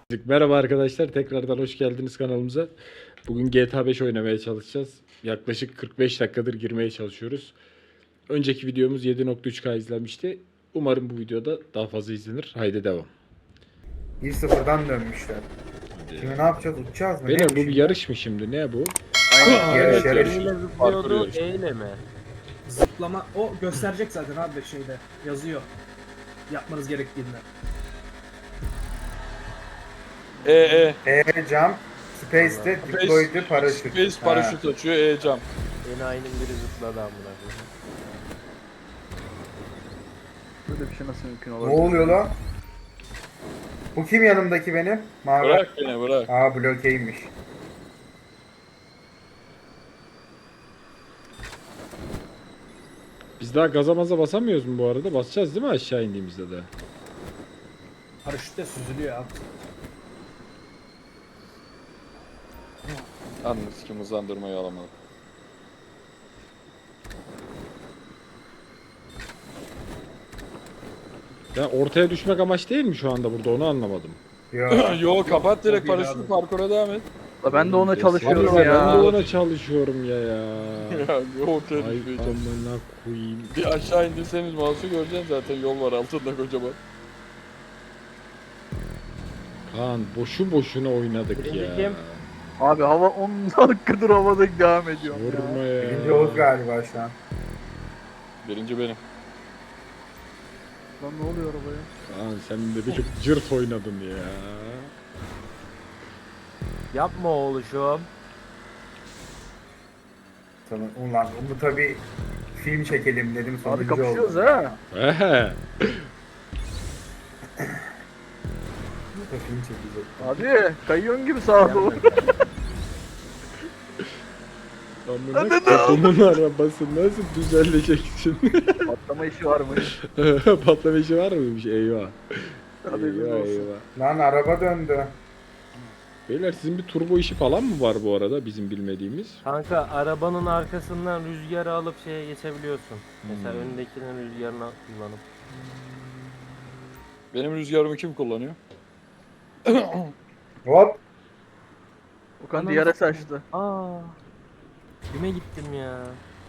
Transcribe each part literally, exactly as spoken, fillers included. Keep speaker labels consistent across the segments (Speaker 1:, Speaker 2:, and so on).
Speaker 1: Merhaba arkadaşlar, tekrardan hoş geldiniz kanalımıza. Bugün G T A beş oynamaya çalışacağız. Yaklaşık kırk beş dakikadır girmeye çalışıyoruz. Önceki videomuz yedi nokta üç K izlenmişti. Umarım bu videoda daha fazla izlenir. Haydi devam.
Speaker 2: bir sıfırdan dönmüşler. Şimdi ne yapacağız? Uçacağız mı?
Speaker 1: Beyler
Speaker 2: Ne
Speaker 1: bu bir yarış mı şimdi? Ne bu?
Speaker 2: Aynen, yarış
Speaker 1: evet,
Speaker 2: yarış.
Speaker 1: yarış.
Speaker 3: Eyle zıplıyordu,
Speaker 1: yarışı.
Speaker 3: eyle mi?
Speaker 4: Zıplama o gösterecek zaten abi şeyde yazıyor. Yapmanız gerektiğinde.
Speaker 5: E E.
Speaker 2: E jump, space'de deploy'du paraşüt.
Speaker 5: Space paraşüt açıyor E jump.
Speaker 3: Enayinin biri zıpladı amına koyayım.
Speaker 6: Böyle bir şey nasıl mümkün
Speaker 2: Ne
Speaker 6: olabilir?
Speaker 2: oluyor lan? Bu kim yanımdaki benim? Mavi.
Speaker 5: Bırak beni bırak.
Speaker 2: Aa blokeymiş.
Speaker 1: Biz daha gaza maza basamıyoruz mu bu arada? Basacağız değil mi aşağı indiğimizde de?
Speaker 4: Paraşütle süzülüyor abi.
Speaker 5: Yalnız kim hızlandırmayı alamadı.
Speaker 1: Ya ortaya düşmek amaç değil mi şu anda burada, onu anlamadım.
Speaker 2: Yo.
Speaker 5: Yo kapat direkt
Speaker 4: Çok iyi
Speaker 5: paraşütü
Speaker 4: abi.
Speaker 5: parkura devam et.
Speaker 6: La ben de ona
Speaker 1: Abi
Speaker 6: çalışıyorum
Speaker 1: ben de
Speaker 6: ya.
Speaker 1: ona çalışıyorum ya ya.
Speaker 5: Ya yo ortaya
Speaker 1: Ay
Speaker 5: düşmeyeceğim.
Speaker 1: amına koyayım.
Speaker 5: Bir aşağı indirseniz mouse'u göreceksin zaten yol var altında kocaman.
Speaker 1: Kaan boşu boşuna oynadık
Speaker 3: Birinci
Speaker 1: ya.
Speaker 3: kim?
Speaker 6: Abi hava on dakikadır havada devam ediyorum
Speaker 1: Vurma
Speaker 6: ya.
Speaker 1: ya.
Speaker 2: Birinci Oğuz galiba şu an.
Speaker 5: Birinci benim.
Speaker 6: Lan ne oluyor arabaya?
Speaker 1: Kaan sen de bir cırt oynadın ya.
Speaker 3: Yapma oğluşum.
Speaker 2: Tamam. Ulan bunu tabi film çekelim dedim
Speaker 6: Abi
Speaker 2: sonuncu
Speaker 6: kapışıyoruz
Speaker 2: oldu.
Speaker 6: ha.
Speaker 1: Ehe.
Speaker 2: Bu da film çekecek.
Speaker 6: Abi kayıyorsun gibi sağa doğru.
Speaker 1: Amına kodumun arabası nasıl düzeleceksin?
Speaker 6: Patlama işi varmış.
Speaker 1: Patlama işi var mıymış? Eyvah.
Speaker 6: Haberiniz
Speaker 1: Eyvah
Speaker 6: olsun.
Speaker 1: eyvah.
Speaker 2: Lan araba döndü.
Speaker 1: Beyler sizin bir turbo işi falan mı var bu arada bizim bilmediğimiz?
Speaker 3: Kanka arabanın arkasından rüzgarı alıp şeye geçebiliyorsun. Mesela
Speaker 1: Hmm.
Speaker 3: öndekinin rüzgarını kullanıp.
Speaker 5: Benim rüzgarımı kim kullanıyor?
Speaker 2: Hop.
Speaker 6: Okan
Speaker 3: Ananı
Speaker 6: diyara
Speaker 3: satayım.
Speaker 6: saçtı.
Speaker 3: Aa. Kime gittim ya?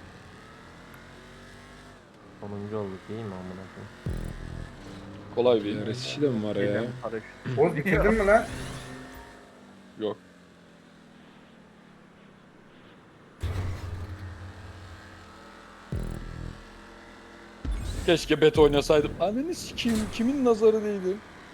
Speaker 3: Sonuncu olduk değil mi amına koyayım?
Speaker 5: Kolay bir.
Speaker 1: Yarış işi de mi var ya?
Speaker 6: Gelen paraşüt.
Speaker 2: Oğuz bitirdin mi lan?
Speaker 5: Yok. Keşke bet oynasaydım. Anneni sikeyim kimin nazarı değdi?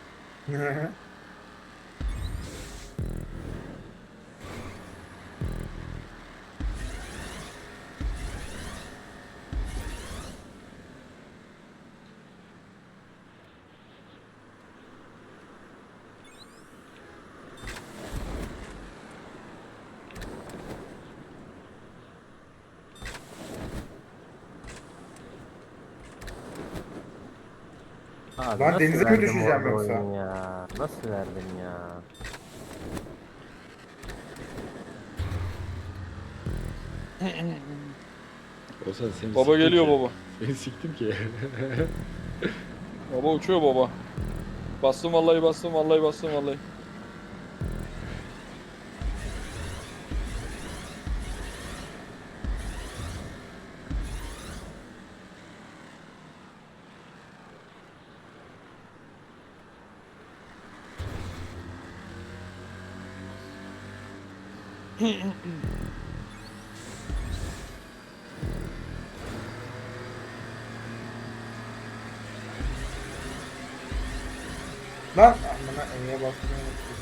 Speaker 3: Abi
Speaker 2: Lan
Speaker 3: nasıl
Speaker 2: denize mi
Speaker 3: verdim
Speaker 2: düşeceğim
Speaker 3: orada
Speaker 2: yoksa?
Speaker 3: oyunu Ya? Nasıl verdim ya?
Speaker 1: Olsan seni
Speaker 5: Baba
Speaker 1: siktim
Speaker 5: geliyor
Speaker 1: ki.
Speaker 5: baba.
Speaker 1: Beni siktim ki.
Speaker 5: Baba uçuyor baba. Bastım vallahi bastım vallahi bastım vallahi.
Speaker 2: Lan amına E'ye basmayı unuttum.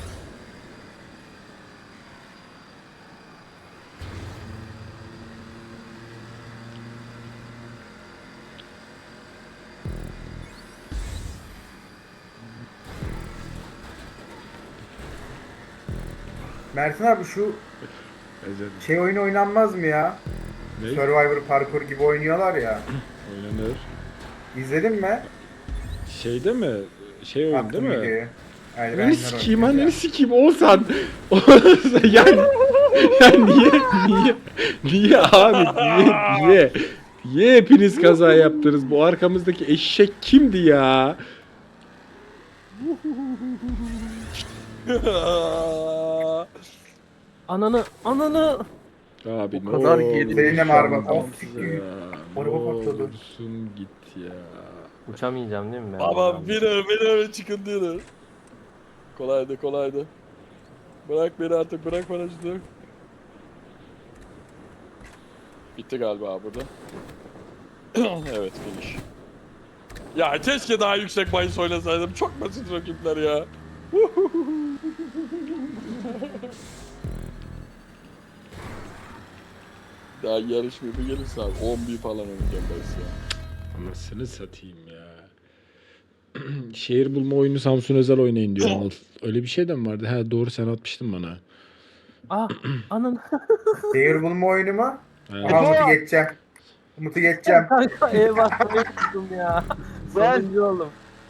Speaker 2: Mertin abi şu
Speaker 1: Ezel.
Speaker 2: şey oyunu oynanmaz mı ya?
Speaker 1: Ne?
Speaker 2: Survivor parkur gibi oynuyorlar ya.
Speaker 1: Oynanır.
Speaker 2: İzledin mi?
Speaker 1: Şeyde mi? Şey oyun değil
Speaker 2: Attım
Speaker 1: mi?
Speaker 2: videoyu. Hayır,
Speaker 1: Anneni
Speaker 2: benler
Speaker 1: sikeyim,
Speaker 2: oynuyor
Speaker 1: anneni
Speaker 2: ya.
Speaker 1: sikeyim Oğuzhan. Oğuzhan yani, yani niye, niye, niye abi, niye, niye, niye hepiniz kaza yaptınız? Bu arkamızdaki eşek kimdi ya?
Speaker 3: Ananı, ananı.
Speaker 1: Abi
Speaker 6: O kadar
Speaker 1: ne
Speaker 6: geri-
Speaker 2: Benim araba.
Speaker 1: olursun
Speaker 2: Of siktir.
Speaker 1: ya,
Speaker 2: Araba
Speaker 1: ne
Speaker 2: patladı.
Speaker 1: olursun git ya.
Speaker 3: Uçamayacağım değil mi ben?
Speaker 5: Aman
Speaker 3: buradan?
Speaker 5: beni beni çıkın diyor. Kolaydı kolaydı. Bırak beni artık bırak paraşütü. Bitti galiba burada. Evet finish. Ya keşke daha yüksek bahis oynasaydım. Çok basit rakipler ya. Daha yarışmıyor bir gelirse abi on bir falan oynayacağım bahis ya.
Speaker 1: Anasını satayım ya. Şehir bulma oyunu Samsun Özel oynayın diyor Anıl. Öyle bir şey de mi vardı? Ha doğru, sen atmıştın bana.
Speaker 3: Ah, ananı.
Speaker 2: Şehir bulma oyunu mu?
Speaker 1: Ha.
Speaker 2: Aha Umut'u geçeceğim. Umut'u geçeceğim.
Speaker 3: Kanka ev basmayı tuttum ya.
Speaker 6: Ben-
Speaker 3: Sonuncu oğlum.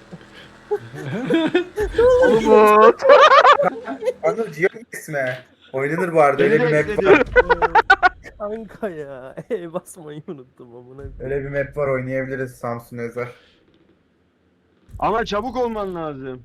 Speaker 6: Umut.
Speaker 2: Anıl Cihan ismi. Oynanır bu arada. Öyle bir
Speaker 6: Beni
Speaker 2: map var.
Speaker 3: Kanka ya ev basmayı unuttum amına.
Speaker 2: Öyle bir map var, oynayabiliriz Samsun Özel.
Speaker 7: Ama çabuk olman lazım.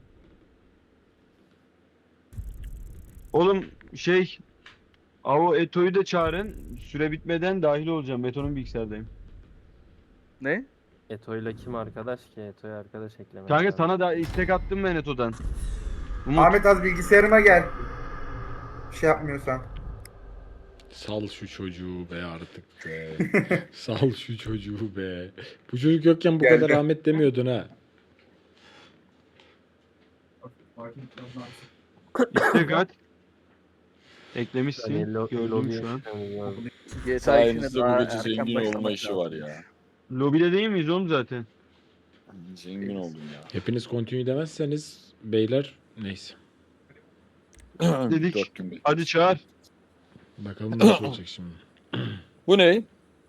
Speaker 7: Oğlum şey Avo Eto'yu da çağırın. Süre bitmeden dahil olacağım. Eto'nun bilgisayardayım.
Speaker 6: Ne?
Speaker 3: Eto'yla kim arkadaş ki? Eto'yu arkadaş eklemek
Speaker 7: Kanka
Speaker 3: lazım.
Speaker 7: sana da istek attım ben Eto'dan. Umut.
Speaker 2: Ahmet az bilgisayarıma gel. Bir şey yapmıyorsan.
Speaker 1: Sal şu çocuğu be artık be. Sal şu çocuğu be. Bu çocuk yokken bu
Speaker 2: Geldi.
Speaker 1: kadar rahmet demiyordun ha.
Speaker 7: İstek at. Eklemişsin.
Speaker 3: Hani lo-
Speaker 7: Gördüm
Speaker 3: lobiye
Speaker 7: şu an.
Speaker 3: çıkmamız lazım.
Speaker 6: G T A işine
Speaker 5: Sayenizde
Speaker 6: daha
Speaker 5: bu gece
Speaker 6: erken
Speaker 5: zengin olma
Speaker 6: başlamak
Speaker 5: işi
Speaker 6: lazım.
Speaker 5: var ya.
Speaker 7: Lobide değil miyiz oğlum zaten?
Speaker 5: Zengin oldum ya.
Speaker 1: Hepiniz continue demezseniz beyler neyse.
Speaker 7: Dedik.
Speaker 5: Dört gün bir.
Speaker 7: Hadi çağır.
Speaker 1: Bakalım nasıl olacak şimdi.
Speaker 5: Bu ne?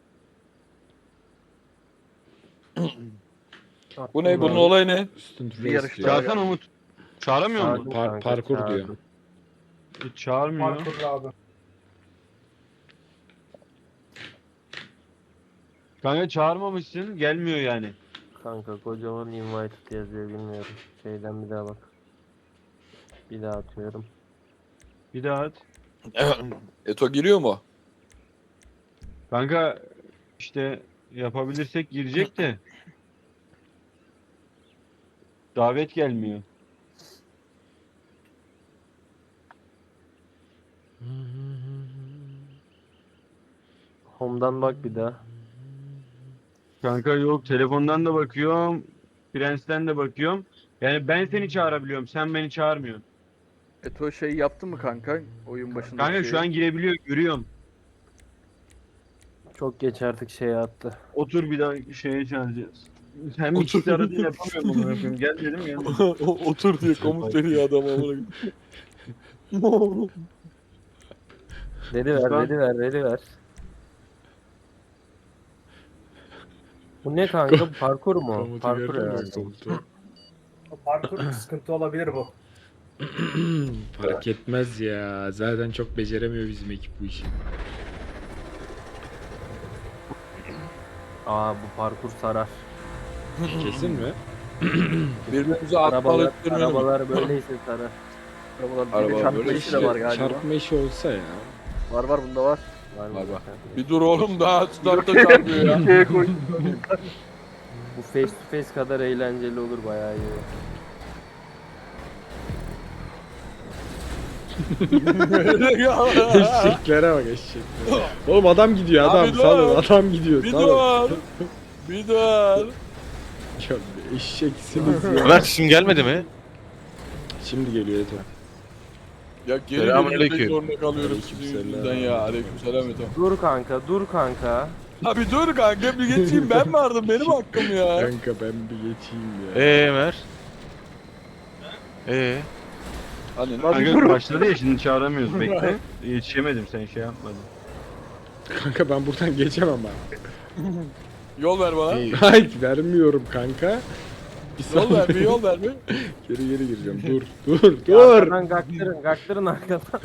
Speaker 5: Bu ne? Bunun olayı ne?
Speaker 1: Student
Speaker 6: Bir
Speaker 1: race
Speaker 6: yarış
Speaker 1: diyor.
Speaker 6: daha.
Speaker 7: Çağırsana Umut. Çağıramıyor mu?
Speaker 3: Çağırdım
Speaker 1: Par-
Speaker 3: kanka,
Speaker 1: parkur diyor.
Speaker 3: çağırdım.
Speaker 7: Hiç çağırmıyor.
Speaker 2: Parkur abi.
Speaker 7: Kanka çağırmamışsın. Gelmiyor yani.
Speaker 3: Kanka kocaman invited yazıyor bilmiyorum. Şeyden bir daha bak. Bir daha atıyorum.
Speaker 7: Bir daha at.
Speaker 5: Eto giriyor mu?
Speaker 7: Kanka işte yapabilirsek girecek de. Davet gelmiyor.
Speaker 3: Home'dan bak bir daha.
Speaker 7: Kanka yok, telefondan da bakıyorum. Prens'ten de bakıyorum. Yani ben seni çağırabiliyorum. Sen beni çağırmıyorsun.
Speaker 6: Eto şey yaptı mı kanka? Oyun başında.
Speaker 7: Kanka şu an girebiliyor, görüyorum.
Speaker 3: Çok geç artık şeye attı.
Speaker 7: Otur bir daha şeye çağıracağız. Hem ikisi arada yapamıyorum bunu yapıyorum. Gel dedim gel.
Speaker 5: Otur diye komut veriyor adam amına.
Speaker 3: Dedi ver,
Speaker 7: Lütfen.
Speaker 3: dedi ver, dedi ver. Bu ne kanka? Bu parkur mu?
Speaker 1: Komutu
Speaker 3: Parkur
Speaker 1: gördün mü
Speaker 3: herhalde.
Speaker 1: komutu?
Speaker 2: O parkur sıkıntı olabilir bu.
Speaker 1: Fark etmez ya. Zaten çok beceremiyor bizim ekip bu işi.
Speaker 3: Aa bu parkur sarar.
Speaker 1: Kesin mi?
Speaker 5: Birbirimize
Speaker 3: Arabalar,
Speaker 5: atmalık durmayalım.
Speaker 3: arabalar böyleyse sarar.
Speaker 6: Arabalar
Speaker 5: Araba
Speaker 6: bir çarpma
Speaker 5: böyle
Speaker 6: işi de var galiba.
Speaker 1: Çarpma işi olsa ya.
Speaker 6: Var var bunda var.
Speaker 3: Var mı?
Speaker 5: Var, var.
Speaker 3: zaten?
Speaker 5: Bir dur oğlum daha startta çarpıyor ya.
Speaker 6: Şeye koy.
Speaker 3: Bu face to face kadar eğlenceli olur bayağı iyi.
Speaker 1: Eşeklere bak eşeklere. Oğlum adam gidiyor adam.
Speaker 5: Abi dur.
Speaker 1: Salın adam gidiyor.
Speaker 5: Bir
Speaker 1: Salın.
Speaker 5: dur. Bir dur.
Speaker 1: Ya eşeksiniz ya.
Speaker 8: Ömer şimdi gelmedi mi?
Speaker 1: Şimdi geliyor Eto.
Speaker 5: Ya geri
Speaker 8: Selamünaleyküm.
Speaker 5: geri zorunda kalıyoruz sizin
Speaker 1: Aleykümselam.
Speaker 5: yüzünden ya. Aleykümselam Eto.
Speaker 3: Dur kanka, dur kanka.
Speaker 5: Abi dur kanka bir geçeyim ben vardım benim hakkım ya.
Speaker 1: Kanka ben bir geçeyim ya.
Speaker 8: Ee Ömer. Ee.
Speaker 5: Hani
Speaker 7: Kanka başladı ya, şimdi çağıramıyoruz, bekle. Yetişemedim, sen şey yapmadın.
Speaker 1: Kanka ben buradan geçemem ben.
Speaker 5: yol ver bana.
Speaker 8: iyi.
Speaker 1: Hayır vermiyorum kanka. Bir
Speaker 5: Yol ver bir
Speaker 1: saniye.
Speaker 5: yol ver bir.
Speaker 1: Geri geri gireceğim. Dur dur dur.
Speaker 3: Arkadan gaktırın, gaktırın arkadan.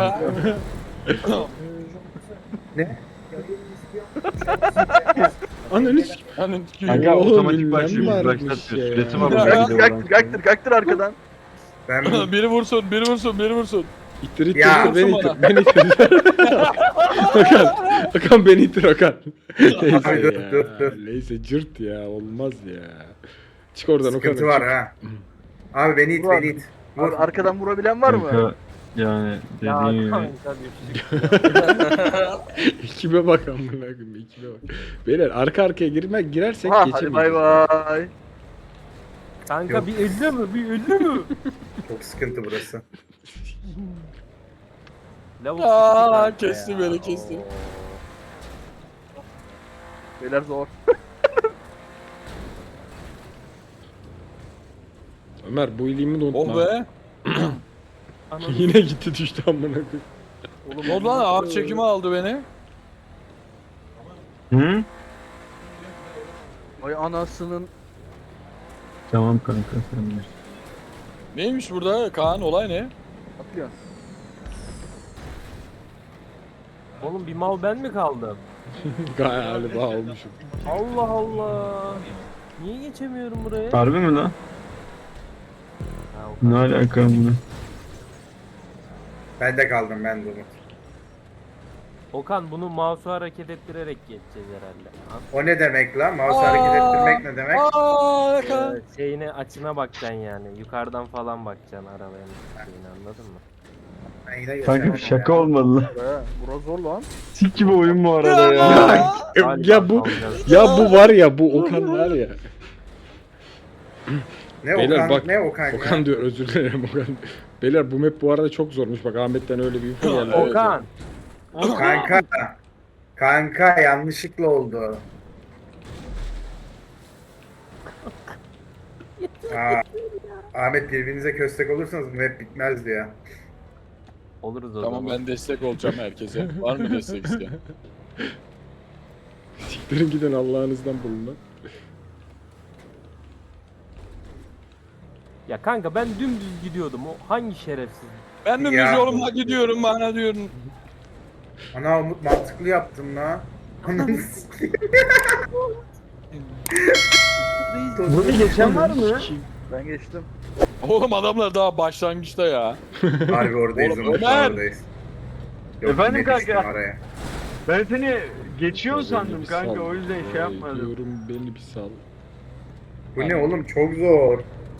Speaker 2: Ne?
Speaker 1: Ananı s-
Speaker 5: Hani
Speaker 7: Kanka
Speaker 1: Oğlum,
Speaker 7: otomatik
Speaker 1: ünlem
Speaker 7: başlıyor.
Speaker 1: varmış
Speaker 7: Başlatıyor.
Speaker 1: ya.
Speaker 7: Süresi var.
Speaker 5: Ya.
Speaker 7: orada bir de
Speaker 6: Gaktır
Speaker 7: oradan.
Speaker 6: gaktır gaktır arkadan.
Speaker 2: Ben bu
Speaker 5: biri vursun, biri vursun, biri vursun.
Speaker 1: İttir ittir
Speaker 2: Ya.
Speaker 1: ittir beni
Speaker 5: Vursun
Speaker 1: ittir. Beni ittir. Okan. Okan beni ittir Okan. Neyse
Speaker 2: Abi dur,
Speaker 1: ya.
Speaker 2: dur, dur.
Speaker 1: Neyse cırt ya. Olmaz ya. Çık oradan Okan.
Speaker 2: sıkıntı var ha. Abi beni it
Speaker 6: Vur abi.
Speaker 2: beni it. Vur.
Speaker 6: Abi arkadan vurabilen var mı?
Speaker 7: Kanka, yani
Speaker 3: Ya
Speaker 7: dediğin gibi.
Speaker 3: kanka düştük.
Speaker 1: Ekibe bak amına koyayım. Ekibe bak. Beyler arka arkaya girme girersek
Speaker 6: Ha, hadi
Speaker 1: geçemeyiz.
Speaker 6: bay bay.
Speaker 3: Kanka
Speaker 2: Yok.
Speaker 3: bir elli mi? Bir elli mi?
Speaker 2: Çok sıkıntı burası.
Speaker 3: Lavuk
Speaker 5: Aa,
Speaker 3: sıkıntı kanka
Speaker 5: kesti
Speaker 3: ya.
Speaker 5: beni, kesti.
Speaker 3: Oo.
Speaker 6: Beyler zor.
Speaker 1: Ömer bu iyiliğimi de unutma.
Speaker 5: Oh be.
Speaker 3: Ananı
Speaker 1: Yine gitti düştü amına koyayım.
Speaker 6: Oğlum
Speaker 5: Ne oldu lan? Ağır çekimi aldı beni.
Speaker 7: Hı?
Speaker 6: Ay anasının.
Speaker 7: Tamam kanka sen de.
Speaker 5: Neymiş burada Kaan? Olay ne?
Speaker 6: Atlıyorsun.
Speaker 3: Oğlum bir mal ben mi kaldım?
Speaker 1: Galiba olmuşum.
Speaker 3: Allah Allah. Niye geçemiyorum buraya?
Speaker 7: Harbi mi lan?
Speaker 3: Ha, o
Speaker 7: Ne
Speaker 3: kadar.
Speaker 7: alaka bunu?
Speaker 2: Ben de kaldım ben de Umut.
Speaker 3: Okan bunu mouse'u hareket ettirerek geçeceğiz herhalde. Ha?
Speaker 2: O ne demek lan? Mouse hareket ettirmek ne demek?
Speaker 5: Aa, Kaan.
Speaker 3: Ee, şeyine açına bakacaksın yani. Yukarıdan falan bakacaksın arabanın şeyini, anladın mı?
Speaker 2: Ben yine
Speaker 7: Kanka bir
Speaker 2: geçemedim
Speaker 7: şaka
Speaker 2: ya.
Speaker 7: olmalı lan.
Speaker 6: Be, bura zor lan.
Speaker 7: Sik gibi oyun bu arada ya.
Speaker 1: Ya, ya bu
Speaker 3: kalacağız.
Speaker 1: ya bu var ya bu Okan var ya.
Speaker 2: Ne
Speaker 1: Beyler
Speaker 2: Okan,
Speaker 1: bak,
Speaker 2: ne Okan, ya?
Speaker 1: Okan diyor özür dilerim Okan. Beyler bu map bu arada çok zormuş. Bak Ahmet'ten öyle bir info geldi.
Speaker 5: Evet.
Speaker 3: Okan.
Speaker 2: Kanka. Kanka yanlışlıkla oldu. Aa, Ahmet birbirinize köstek olursanız bu map bitmezdi ya.
Speaker 3: Oluruz o
Speaker 5: Tamam
Speaker 3: zaman.
Speaker 5: ben destek olacağım herkese. Var mı destek isteyen?
Speaker 1: Siktirin gidin Allah'ınızdan bulun lan.
Speaker 3: Ya kanka ben dümdüz gidiyordum. O hangi şerefsiz?
Speaker 5: Ben de
Speaker 2: Ya.
Speaker 5: düz yolumla gidiyorum bana diyorum.
Speaker 2: Ana Umut mantıklı yaptın la. Ananı sikeyim.
Speaker 7: Bunu geçen var mı?
Speaker 6: Ben geçtim.
Speaker 5: Oğlum adamlar daha başlangıçta ya.
Speaker 2: Harbi oradayız
Speaker 5: Oğlum,
Speaker 2: Umut,
Speaker 5: Ömer!
Speaker 2: oradayız. Yok,
Speaker 7: Efendim
Speaker 2: yine düştüm
Speaker 7: kanka?
Speaker 2: araya.
Speaker 7: Ben seni geçiyor
Speaker 1: Beni
Speaker 7: sandım
Speaker 1: bir
Speaker 7: kanka
Speaker 1: sal.
Speaker 7: o yüzden şey
Speaker 1: Ay,
Speaker 7: yapmadım.
Speaker 1: Diyorum beni bir sal.
Speaker 2: Bu ne oğlum çok zor.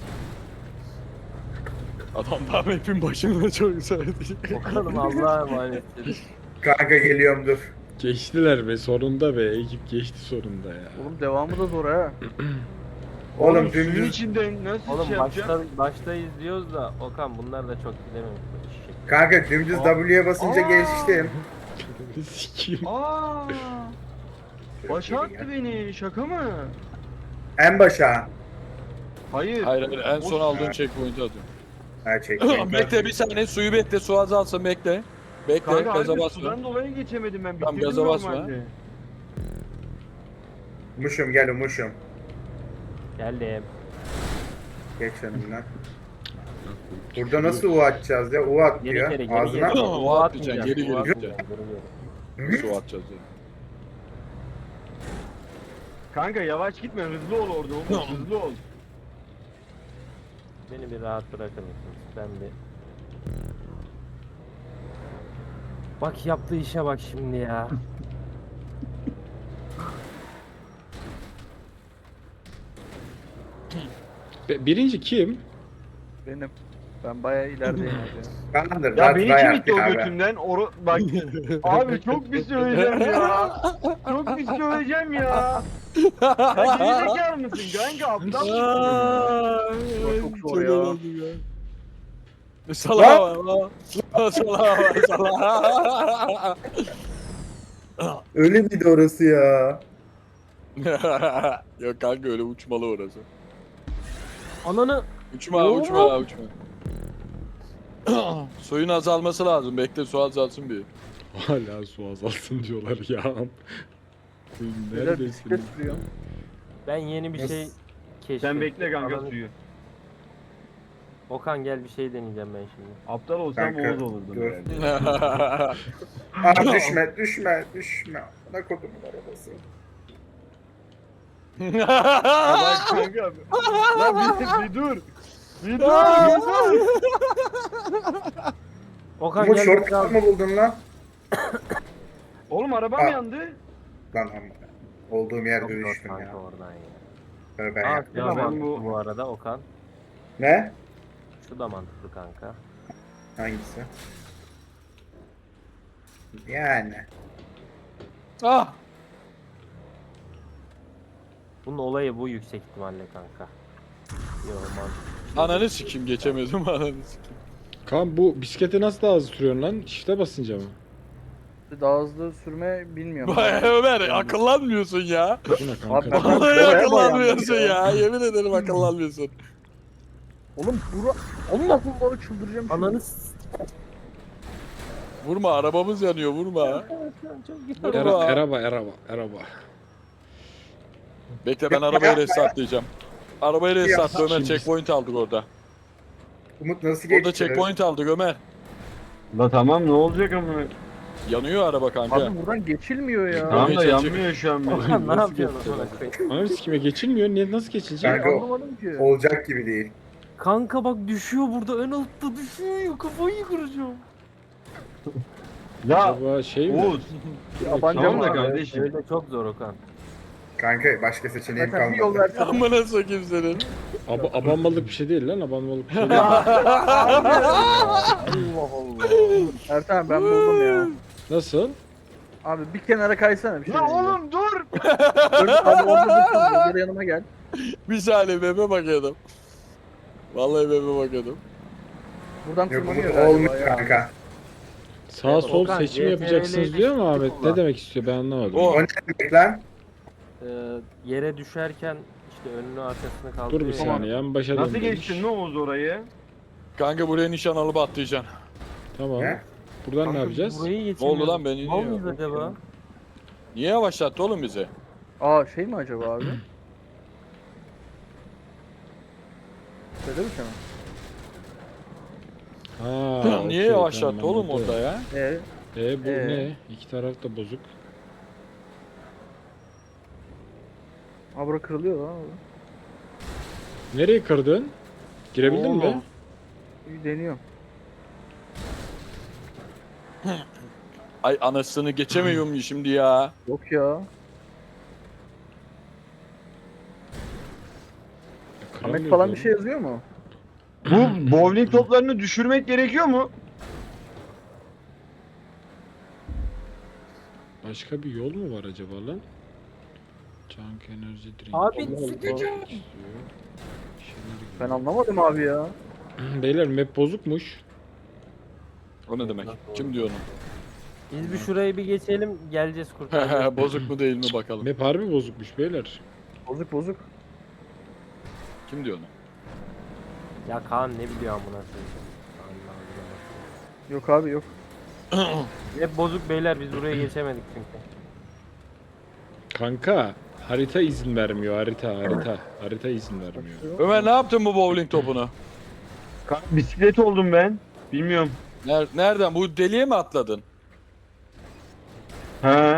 Speaker 5: Adam daha map'in başında çok söyledi.
Speaker 3: Okan'ım Allah'a emanettir.
Speaker 2: Kanka geliyorum dur.
Speaker 1: Geçtiler be sonunda be ekip geçti sonunda ya.
Speaker 6: Oğlum devamı da zor ha.
Speaker 2: Oğlum
Speaker 7: suyun
Speaker 2: dümdüz.
Speaker 7: içinden nasıl
Speaker 3: Oğlum
Speaker 7: şey yapacağım?
Speaker 3: başta, baştayız diyoruz da Okan bunlar da çok bilememiş bu işi.
Speaker 2: Kanka dümdüz W'ye basınca
Speaker 7: Aa.
Speaker 2: geçtim.
Speaker 1: Sikiyim.
Speaker 7: Aaa! Başa attı beni şaka mı?
Speaker 2: En başa.
Speaker 7: Hayır.
Speaker 5: Hayır hayır en son
Speaker 7: O-
Speaker 5: aldığın checkpoint'i atıyorum.
Speaker 2: Ha çektim.
Speaker 5: bekle bir saniye suyu bekle su azalsın bekle. Bekle
Speaker 7: Kanka
Speaker 5: gaza
Speaker 7: harbi
Speaker 5: basma.
Speaker 7: sudan dolayı geçemedim ben.
Speaker 5: Tamam,
Speaker 7: Bitirdim
Speaker 5: gaza basma.
Speaker 7: normalde.
Speaker 2: Muşum gel Muşum.
Speaker 3: Geldim.
Speaker 2: Geç önümden. Burada nasıl U atacağız ya? U at
Speaker 3: Geri
Speaker 2: diyor.
Speaker 3: geri geri
Speaker 2: Ağzına.
Speaker 3: geri.
Speaker 5: O
Speaker 3: O
Speaker 5: atmayacaksın,
Speaker 3: atmayacağız,
Speaker 5: geri
Speaker 3: o
Speaker 5: geri
Speaker 3: atmayacağız, geri geri.
Speaker 5: Su atacağız yani.
Speaker 7: Kanka yavaş gitme hızlı ol orada oğlum hızlı ol.
Speaker 3: Beni bir rahat bırakır mısınız? Ben bir... Bak yaptığı işe bak şimdi ya.
Speaker 1: Be- Birinci kim?
Speaker 6: Benim. Ben bayağı ilerideyim abi.
Speaker 2: Kandır.
Speaker 7: Ya
Speaker 2: rahat
Speaker 7: beni
Speaker 2: bayağı
Speaker 7: kim itti o
Speaker 2: abi.
Speaker 7: götümden? Oru... Bak abi çok pis söyleyeceğim ya. Çok pis söyleyeceğim ya. Ya gerizekalı mısın kanka aptal mısın?
Speaker 6: Ulan çok zor ya.
Speaker 5: Salaha var lan. Salaha var salaha.
Speaker 2: Öyle miydi orası ya?
Speaker 5: Yok kanka öyle uçmalı orası.
Speaker 3: Ananı...
Speaker 5: Uçma uçma uçma. Suyun azalması lazım. Bekle su azalsın bir.
Speaker 1: Hala su azalsın diyorlar ya.
Speaker 6: Beyler bisiklet
Speaker 1: Neredesiniz?
Speaker 6: sürüyor.
Speaker 3: Ben yeni bir şey keşfettim.
Speaker 7: Sen bekle kanka
Speaker 3: Ananı-
Speaker 7: suyu.
Speaker 3: Okan gel bir şey deneyeceğim ben şimdi.
Speaker 7: Aptal olsam
Speaker 2: Kanka,
Speaker 7: Oğuz olurdum
Speaker 2: dur.
Speaker 7: herhalde.
Speaker 2: Aa düşme düşme düşme. Ne kodumun arabası.
Speaker 7: Ya bak kanka. Lan bir, bir dur. Bir dur. Bir dur.
Speaker 3: Okan
Speaker 2: Umut
Speaker 3: gel
Speaker 2: shortcut
Speaker 3: bakalım.
Speaker 2: mı buldun lan?
Speaker 7: Oğlum arabam
Speaker 2: Aa.
Speaker 7: yandı.
Speaker 2: Lan amma. Olduğum
Speaker 3: Çok
Speaker 2: yerde
Speaker 3: zor
Speaker 2: düştüm
Speaker 3: kanka
Speaker 2: ya.
Speaker 3: oradan ya.
Speaker 2: Böyle ben
Speaker 3: Aa,
Speaker 2: yaptım.
Speaker 3: şu da
Speaker 7: ben
Speaker 3: mantıklı
Speaker 7: bu-
Speaker 3: bu arada Okan.
Speaker 2: Ne?
Speaker 3: Şu da mantıklı kanka.
Speaker 2: Hangisi? Yani.
Speaker 5: Ah!
Speaker 3: Bunun olayı bu yüksek ihtimalle kanka. Yok mantıklı.
Speaker 5: Ananı sikeyim geçemedim ananı sikeyim.
Speaker 1: Kaan bu bisikleti nasıl daha hızlı sürüyorsun lan? Shift'e basınca mı?
Speaker 6: Daha hızlı sürme bilmiyorum.
Speaker 5: Vay Ömer akıllanmıyorsun ya.
Speaker 1: Bu ne kanka?
Speaker 6: Abi bak-
Speaker 5: Vallahi
Speaker 6: Oraya
Speaker 5: akıllanmıyorsun
Speaker 6: bayandım
Speaker 5: ya. Yemin ederim akıllanmıyorsun.
Speaker 6: Oğlum bura... Allah Allah çıldıracağım. şimdi.
Speaker 3: Ananı s-
Speaker 5: Vurma arabamız yanıyor vurma.
Speaker 3: çok
Speaker 1: Era, eraba, eraba, eraba.
Speaker 5: Bekle ben arabayı restartlayacağım. Arabayı restartla Ömer checkpoint aldık orada.
Speaker 2: Umut nasıl geçti?
Speaker 5: Orada checkpoint aldık Ömer.
Speaker 7: La tamam ne olacak ama?
Speaker 5: Yanıyor araba kanka.
Speaker 6: Abi buradan geçilmiyor ya.
Speaker 5: Tamam.
Speaker 7: Tamam da yanmıyor şu an. benim.
Speaker 3: Okan ne
Speaker 1: Nasıl
Speaker 3: yapıyorsun
Speaker 1: geçti
Speaker 3: amına koyayım?
Speaker 1: Ananı sikime geçilmiyor. Niye nasıl geçilecek?
Speaker 2: Kanka o-
Speaker 6: Anlamadım ki.
Speaker 2: olacak gibi değil.
Speaker 3: Kanka bak düşüyor burada ön altta düşüyor kafayı kıracağım.
Speaker 7: Ya
Speaker 1: Acaba şey mi?
Speaker 7: Oğuz.
Speaker 6: Yabancı
Speaker 7: Tamam da
Speaker 6: abi.
Speaker 7: kardeşim.
Speaker 3: Öyle çok zor Okan.
Speaker 2: Kanka başka seçeneğim
Speaker 6: Zaten bir yol
Speaker 2: kalmadı.
Speaker 6: versene.
Speaker 5: Amına sokayım senin.
Speaker 1: Aba, abanmalık bir şey değil lan. Abanmalık bir şey değil.
Speaker 6: Allah Allah. Ertan ben buldum ya.
Speaker 1: Nasıl?
Speaker 6: Abi bir kenara kaysana bir şey.
Speaker 7: Ya
Speaker 6: diyeceğim.
Speaker 7: oğlum dur.
Speaker 6: Dur, abi orada dur. Geri yanıma gel.
Speaker 5: Bir saniye meme bakıyordum. Vallahi meme bakıyordum.
Speaker 6: Buradan
Speaker 2: Yok
Speaker 6: tırmanıyor
Speaker 2: Umut
Speaker 6: galiba
Speaker 2: olmuyor
Speaker 6: ya.
Speaker 2: kanka.
Speaker 1: Sağ sol
Speaker 3: Okan,
Speaker 1: seçim
Speaker 3: C T R L
Speaker 1: yapacaksınız diyor mu Ahmet?
Speaker 3: kullan.
Speaker 1: Ne demek istiyor ben anlamadım.
Speaker 5: O-
Speaker 2: O ne demek lan?
Speaker 3: Ee, yere düşerken işte önünü arkasını
Speaker 1: Dur
Speaker 3: kaldırıyor.
Speaker 1: bir saniye. En başa
Speaker 7: Nasıl
Speaker 1: dön demiş.
Speaker 7: geçtin ne Oğuz orayı?
Speaker 5: Kanka buraya nişan alıp atlayacaksın.
Speaker 1: Tamam.
Speaker 2: Ne?
Speaker 1: Buradan ne
Speaker 3: Kanka,
Speaker 1: yapacağız?
Speaker 3: Burayı
Speaker 5: Ne
Speaker 3: geçemiyorum.
Speaker 5: oldu lan ben
Speaker 3: Mal
Speaker 5: iniyorum.
Speaker 3: mıyız acaba?
Speaker 5: Niye yavaşlattı oğlum bizi?
Speaker 6: Aa şey mi acaba abi? Söyle mi sana?
Speaker 1: Ha,
Speaker 5: Niye
Speaker 1: okey,
Speaker 5: yavaşlattı
Speaker 1: tamam,
Speaker 5: oğlum
Speaker 1: anladım.
Speaker 5: orada ya?
Speaker 6: Ee,
Speaker 1: E bu
Speaker 6: Ee?
Speaker 1: ne? İki taraf da bozuk.
Speaker 6: aa bura kırılıyor lan. abi.
Speaker 1: Nereye kırdın? Girebildin mi?
Speaker 5: Oğlum.
Speaker 6: Bir deniyorum.
Speaker 5: Ay anasını geçemiyorum şimdi ya.
Speaker 6: Yok ya. Ahmet falan bir şey yazıyor mu?
Speaker 7: Bu bowling toplarını düşürmek gerekiyor mu?
Speaker 1: Başka bir yol mu var acaba lan? Junk enerji drink.
Speaker 3: Abi,
Speaker 1: Allah
Speaker 3: sıkacağım.
Speaker 1: istiyor. Şeyler gibi.
Speaker 6: Ben anlamadım abi ya.
Speaker 1: Beyler map bozukmuş.
Speaker 5: O ne demek? Kim diyor onu?
Speaker 3: Biz bir şurayı bir geçelim geleceğiz kurtaracağız.
Speaker 5: Bozuk mu değil mi bakalım.
Speaker 1: Map harbi bozukmuş beyler.
Speaker 6: Bozuk bozuk.
Speaker 5: Kim diyor onu?
Speaker 3: Ya Kaan ne biliyor amına koyayım. Allah Allah.
Speaker 6: Yok abi yok.
Speaker 3: Hep bozuk beyler biz buraya geçemedik çünkü.
Speaker 1: Kanka harita izin vermiyor harita harita. Harita izin vermiyor.
Speaker 5: Ömer ne yaptın bu bowling topunu?
Speaker 7: Kanka, bisiklet oldum ben. Bilmiyorum.
Speaker 5: Ner- nereden? Bu deliğe mi atladın?
Speaker 7: He.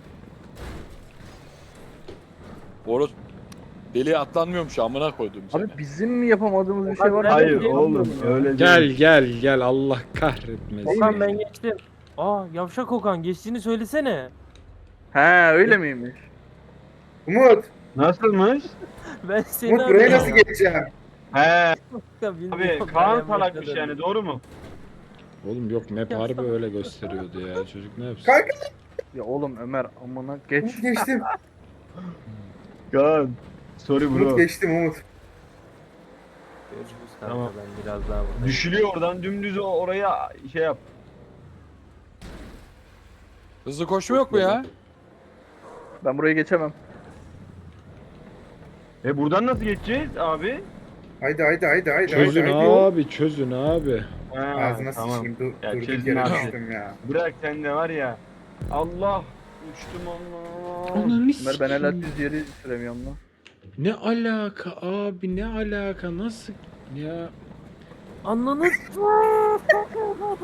Speaker 5: Boros deliğe atlanmıyormuş amına koydum seni.
Speaker 6: Abi bizim mi yapamadığımız bir şey
Speaker 3: Okan,
Speaker 6: var?
Speaker 3: ben-
Speaker 7: Hayır
Speaker 3: Değil,
Speaker 7: oğlum öyle değil.
Speaker 1: Gel gel gel Allah kahretmesin.
Speaker 3: Okan ben geçtim. Aa yavşak Okan geçtiğini söylesene.
Speaker 6: He öyle miymiş?
Speaker 2: Umut,
Speaker 7: Nasılmış?
Speaker 3: Ben seni
Speaker 2: Umut buraya
Speaker 3: arıyorum.
Speaker 2: nasıl geçeceğim?
Speaker 7: He.
Speaker 3: Ya
Speaker 7: Abi
Speaker 3: bilmiyorum,
Speaker 7: Kaan
Speaker 3: ben
Speaker 7: salakmış
Speaker 3: başladım.
Speaker 7: yani doğru mu?
Speaker 1: Oğlum yok map harbi öyle gösteriyordu ya. Çocuk ne yapsın?
Speaker 2: Kanka
Speaker 6: Ya oğlum Ömer amına geç.
Speaker 2: Umut geçtim.
Speaker 7: Kaan. Sorry
Speaker 2: Umut
Speaker 7: bro.
Speaker 2: geçtim Umut.
Speaker 3: Görüşürüz kanka
Speaker 7: Tamam.
Speaker 3: ben biraz daha buradayım.
Speaker 7: Düşülüyor oradan dümdüz o- oraya şey yap.
Speaker 5: Hızlı koşma yok mu ya?
Speaker 6: Ben burayı geçemem.
Speaker 7: E buradan nasıl geçeceğiz abi?
Speaker 2: Haydi haydi haydi haydi
Speaker 1: Çözün
Speaker 2: haydi. haydi.
Speaker 1: abi çözün abi.
Speaker 7: Ha,
Speaker 2: Ağzına
Speaker 7: tamam.
Speaker 2: sıçayım. Dur,
Speaker 7: Ya
Speaker 2: durduk
Speaker 7: çözün
Speaker 2: yere
Speaker 7: abi.
Speaker 2: düştüm ya.
Speaker 7: Bırak sen de var ya. Allah uçtum Allah.
Speaker 6: Ömer ben hala düz yeri süremiyorum lan.
Speaker 1: Ne alaka abi ne alaka nasıl ya
Speaker 3: Ananı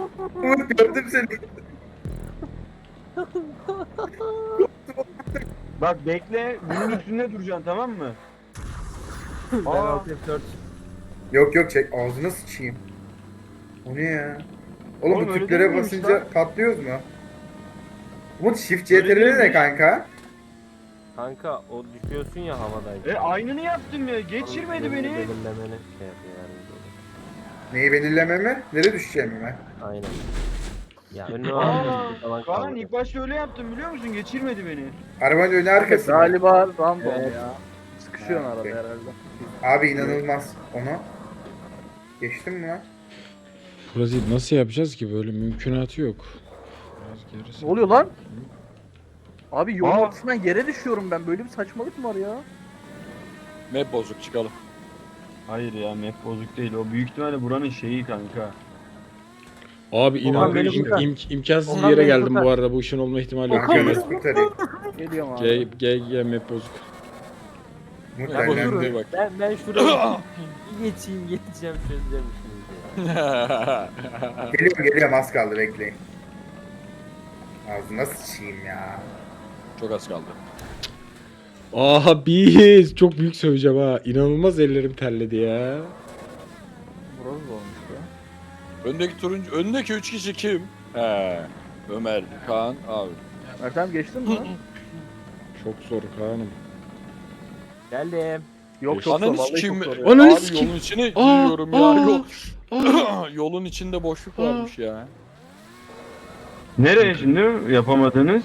Speaker 2: Umut gördüm seni.
Speaker 7: Bak bekle, bunun üstünde duracaksın tamam mı?
Speaker 3: Ben
Speaker 7: Aa,
Speaker 3: alt F dört.
Speaker 2: Yok yok çek ağzına sıçayım. O ne ya? Oğlum,
Speaker 7: Oğlum
Speaker 2: bu
Speaker 7: öyle
Speaker 2: tüplere
Speaker 7: değil miymiş
Speaker 2: basınca
Speaker 7: lan?
Speaker 2: patlıyoruz mu? Umut shift
Speaker 7: Öyle
Speaker 2: C T R L ne
Speaker 7: değilmiş.
Speaker 2: kanka?
Speaker 3: Kanka o düşüyorsun ya havadayken.
Speaker 7: e aynını yaptım ya, geçirmedi
Speaker 3: Onun
Speaker 7: beni.
Speaker 3: belirlemeni şey yapıyor yardımcı oluyor.
Speaker 2: Neyi belirlememi? Nereye düşeceğimi mi?
Speaker 3: Aynen. Ya önüne
Speaker 7: Aa,
Speaker 3: var falan
Speaker 7: Kaan
Speaker 3: kaldı.
Speaker 7: ilk başta öyle yaptım biliyor musun? Geçirmedi beni.
Speaker 2: Arabanın önü arkası mı?
Speaker 6: Galiba random
Speaker 3: Evet.
Speaker 6: ya. Sıkışıyorsun
Speaker 2: Ha,
Speaker 6: arada
Speaker 2: okey.
Speaker 6: herhalde.
Speaker 2: Abi inanılmaz. Onu geçtim mi lan?
Speaker 1: Burası nasıl yapacağız ki? Böyle mümkünatı yok. Biraz gerisi.
Speaker 6: Ne oluyor lan? Abi yolun
Speaker 7: Aa.
Speaker 6: ortasından yere düşüyorum ben. Böyle bir saçmalık mı var ya?
Speaker 5: Map bozuk çıkalım.
Speaker 7: Hayır ya map bozuk değil. O büyük ihtimalle buranın şeyi kanka.
Speaker 1: Abi inan
Speaker 3: beni
Speaker 1: im-
Speaker 3: kurtar.
Speaker 1: im- imkansız bir
Speaker 3: Okan
Speaker 1: yere
Speaker 3: beni
Speaker 1: geldim
Speaker 3: kurtar.
Speaker 1: bu arada. Bu işin olma ihtimali yok.
Speaker 2: Kanka
Speaker 1: Yani.
Speaker 2: nasıl kurtarayım?
Speaker 6: Geliyorum abi.
Speaker 1: G, G, G map bozuk.
Speaker 2: Umut
Speaker 3: Ya
Speaker 2: benden
Speaker 3: bozulur.
Speaker 2: de.
Speaker 5: bak.
Speaker 3: Ben, ben şuraya bir geçeyim geçeceğim çözeceğim şimdi. ya.
Speaker 2: Geliyorum geliyorum az kaldı bekleyin. Ağzına sıçayım ya.
Speaker 5: Çok az kaldı.
Speaker 1: Aha biz çok büyük söveceğim ha. İnanılmaz ellerim terledi ya.
Speaker 6: Burası da olmuş ya.
Speaker 5: Öndeki turuncu, öndeki üç kişi kim? He. Ömer, Kaan, abi.
Speaker 6: Ertem geçtin mi?
Speaker 1: Çok zor Kaan'ım.
Speaker 3: Geldim.
Speaker 6: Yok çok zor.
Speaker 5: Ananı
Speaker 6: Vallahi
Speaker 5: sikeyim.
Speaker 6: çok zor ya.
Speaker 1: Ananı
Speaker 5: Abi
Speaker 1: sikeyim.
Speaker 5: yolun içine
Speaker 1: Aa,
Speaker 5: giriyorum ya.
Speaker 1: aa,
Speaker 5: Yol,
Speaker 1: aa.
Speaker 5: yolun içinde boşluk varmış ya.
Speaker 7: Nereye şimdi yapamadınız?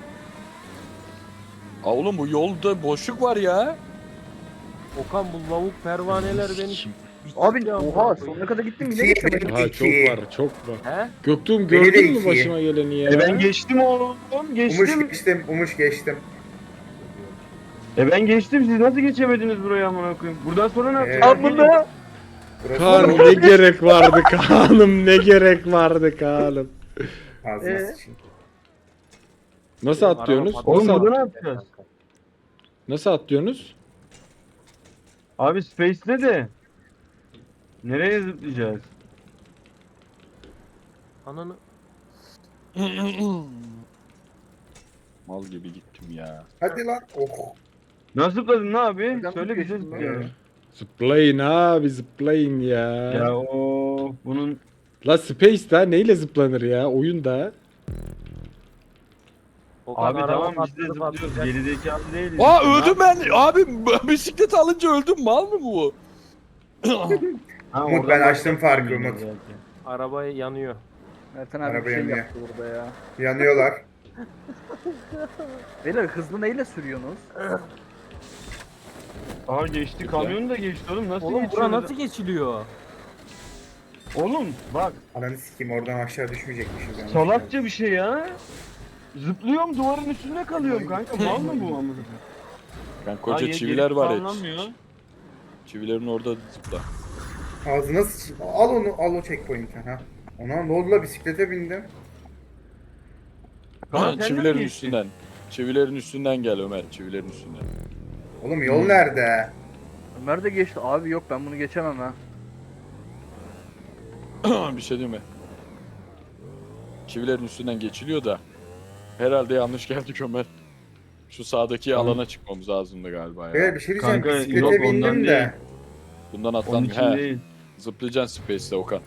Speaker 5: Aa, oğlum bu yolda boşluk var ya.
Speaker 3: Okan bu lavuk pervaneler beni
Speaker 6: Abi
Speaker 3: bitirdi amına
Speaker 6: oha
Speaker 3: koyayım.
Speaker 6: sonuna kadar gittim yine
Speaker 2: İki,
Speaker 6: geçemedim.
Speaker 1: Ha çok
Speaker 2: İki.
Speaker 1: var çok var.
Speaker 3: He?
Speaker 1: Göktuğum
Speaker 2: Beni de
Speaker 1: gördün mü
Speaker 2: iki.
Speaker 1: başıma geleni ya?
Speaker 7: E ben geçtim oğlum.
Speaker 2: Umuş
Speaker 7: Geçtim.
Speaker 2: geçtim, Umuş geçtim.
Speaker 7: E ben geçtim. Siz nasıl geçemediniz buraya amına koyayım? Buradan sonra ne
Speaker 2: Ee,
Speaker 7: yapacağız?
Speaker 6: Amına.
Speaker 2: Burası
Speaker 1: Kaan'ım ne gerek vardı Kaan'ım ne gerek vardı Kaan'ım.
Speaker 2: Ağzına
Speaker 6: Ee?
Speaker 2: sıçayım.
Speaker 1: Nasıl
Speaker 3: Araba
Speaker 1: atlıyorsunuz?
Speaker 3: patladı.
Speaker 7: Oğlum
Speaker 1: Nasıl,
Speaker 7: burada ne
Speaker 1: at-
Speaker 7: yapacağız?
Speaker 1: nasıl atlıyorsunuz?
Speaker 7: Abi Space'de de. Nereye zıplayacağız?
Speaker 3: Ananı.
Speaker 5: Mal gibi gittim ya.
Speaker 2: Hadi lan. Oh.
Speaker 7: Nasıl zıpladın ne abi?
Speaker 6: Ben
Speaker 7: Söyle bize
Speaker 6: geçtim lan.
Speaker 7: zıplayalım.
Speaker 1: Zıplayın abi zıplayın ya.
Speaker 7: Ya o bunun
Speaker 1: La Space da neyle zıplanır ya oyunda?
Speaker 3: Okan
Speaker 7: abi
Speaker 3: araba
Speaker 7: tamam biz de
Speaker 3: patladı,
Speaker 7: zıplıyoruz.
Speaker 3: patlayacak.
Speaker 7: Gerizekalı değiliz.
Speaker 5: Aa
Speaker 7: Ne
Speaker 5: öldüm ben. Abi bisikleti alınca öldüm. Mal mı bu?
Speaker 7: Ha,
Speaker 2: Umut,
Speaker 7: oradan
Speaker 2: ben açtım
Speaker 7: başlattım
Speaker 2: farkı,
Speaker 7: ben
Speaker 2: Umut.
Speaker 7: zaten.
Speaker 3: Araba yanıyor.
Speaker 6: Ertem abi bir
Speaker 2: Araba
Speaker 6: şey
Speaker 2: yanıyor.
Speaker 6: yaptı burada ya.
Speaker 2: Yanıyorlar.
Speaker 6: Beyler hızlı neyle sürüyorsunuz?
Speaker 7: Aa geçti kamyon da geçti oğlum nasıl
Speaker 3: Oğlum
Speaker 7: geçiyor?
Speaker 3: bura nasıl geçiliyor?
Speaker 7: Oğlum bak
Speaker 2: Ananı sikeyim oradan aşağı düşmeyecekmişiz. yani.
Speaker 7: salakça bir şey ya. Zıplıyorum duvarın üstünde kalıyorum kanka. Mal mı bu amına?
Speaker 5: Ben koca
Speaker 7: Aa,
Speaker 5: çiviler
Speaker 7: geri
Speaker 5: var ya.
Speaker 7: sağlanmıyor.
Speaker 5: Çivilerin orada zıpla.
Speaker 2: Ağzına sıçayım. Al onu, al o checkpoint'e ha. Ona ne oldu la, bisiklete bindim.
Speaker 7: Kaan, sen de mi
Speaker 5: Çivilerin
Speaker 7: geçtin?
Speaker 5: üstünden. Çivilerin üstünden gel Ömer. Çivilerin üstünden.
Speaker 2: Oğlum yol nerede?
Speaker 6: Ömer de geçti. Abi yok ben bunu geçemem ha.
Speaker 5: Bir şey diyeyim mi? Çivilerin üstünden geçiliyor da. Herhalde yanlış geldik Ömer. Şu sağdaki alana çıkmamız lazımdı galiba ya.
Speaker 2: Böyle bir şey diyeceğim.
Speaker 7: Kanka,
Speaker 2: bisiklete
Speaker 7: yok, ondan
Speaker 2: bindim
Speaker 7: değil.
Speaker 2: de.
Speaker 5: Bundan
Speaker 7: Onun
Speaker 5: atlan.
Speaker 7: için
Speaker 5: He.
Speaker 7: değil.
Speaker 5: Zıplayacaksın Space'de Okan.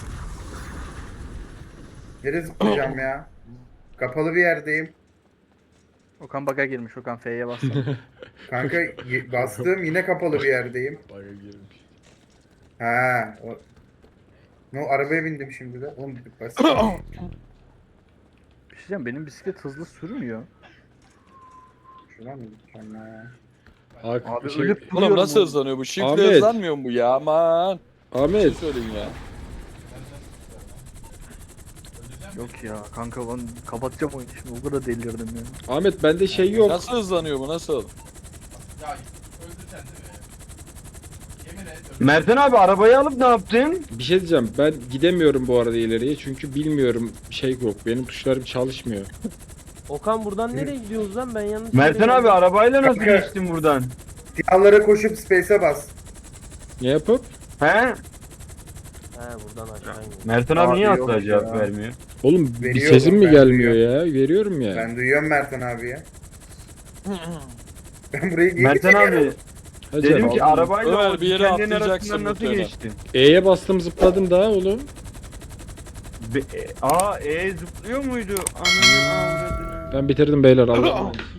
Speaker 2: Nereye zıplayacağım ya? Kapalı bir yerdeyim.
Speaker 6: Okan baga girmiş. Okan F'ye bastı.
Speaker 2: Kanka y- bastığım yine kapalı bir yerdeyim.
Speaker 1: Baga girmiş.
Speaker 2: Ha, o... No, arabaya bindim şimdi de. Oğlum basit.
Speaker 6: Bir şey diyeceğim benim bisiklet hızlı sürmüyor.
Speaker 2: Şuradan mı gideceğim ya?
Speaker 1: Ak-
Speaker 6: Abi
Speaker 1: şey-
Speaker 6: ölüp
Speaker 5: Oğlum
Speaker 6: duruyorum
Speaker 5: nasıl
Speaker 6: oğlum.
Speaker 5: hızlanıyor bu? Shift'le
Speaker 1: Ahmet.
Speaker 5: hızlanmıyor mu bu ya? Aman. Bir şey
Speaker 1: Ahmet
Speaker 5: söyleyin ya.
Speaker 6: Yok ya kanka ben kapatacağım oyunu şimdi o kadar delirdim ya.
Speaker 1: Ahmet bende şey yok.
Speaker 5: Nasıl hızlanıyor bu? Nasıl?
Speaker 7: Mertan abi arabayı alıp ne yaptın?
Speaker 1: Bir şey diyeceğim ben gidemiyorum bu arada ileriye çünkü bilmiyorum şey yok benim tuşlarım çalışmıyor.
Speaker 3: Okan buradan nereye gidiyoruz lan ben yanlış
Speaker 7: Mertan
Speaker 3: yere
Speaker 7: abi
Speaker 3: geldim.
Speaker 7: arabayla nasıl
Speaker 2: Kanka.
Speaker 7: geçtin buradan?
Speaker 2: Siyahlara koşup space'e bas.
Speaker 1: Ne yapıp?
Speaker 7: He?
Speaker 3: He buradan aşağı iniyor.
Speaker 7: Mertan abi,
Speaker 6: Abi
Speaker 7: niye
Speaker 6: yok
Speaker 7: asla cevap
Speaker 6: ya.
Speaker 7: vermiyor?
Speaker 1: Oğlum bir
Speaker 2: Veriyorum,
Speaker 1: sesim mi
Speaker 2: ben
Speaker 1: gelmiyor ya? Veriyorum ya.
Speaker 2: Ben duyuyorum Mertan abiye. Ben burayı niye
Speaker 7: Mertan
Speaker 2: geçemiyorum?
Speaker 7: abi
Speaker 1: Hadi
Speaker 7: dedim
Speaker 1: canım.
Speaker 7: ki arabayla
Speaker 5: Ömer,
Speaker 7: o
Speaker 5: bir yere
Speaker 7: dikenlerin
Speaker 5: atlayacaksın
Speaker 7: arasından nasıl
Speaker 5: muhtemelen.
Speaker 7: geçtin?
Speaker 1: E'ye bastım zıpladım daha oğlum.
Speaker 7: Be- e, aa e zıplıyor muydu? Ananı avradını.
Speaker 1: Ben bitirdim beyler. Allah'a emanet.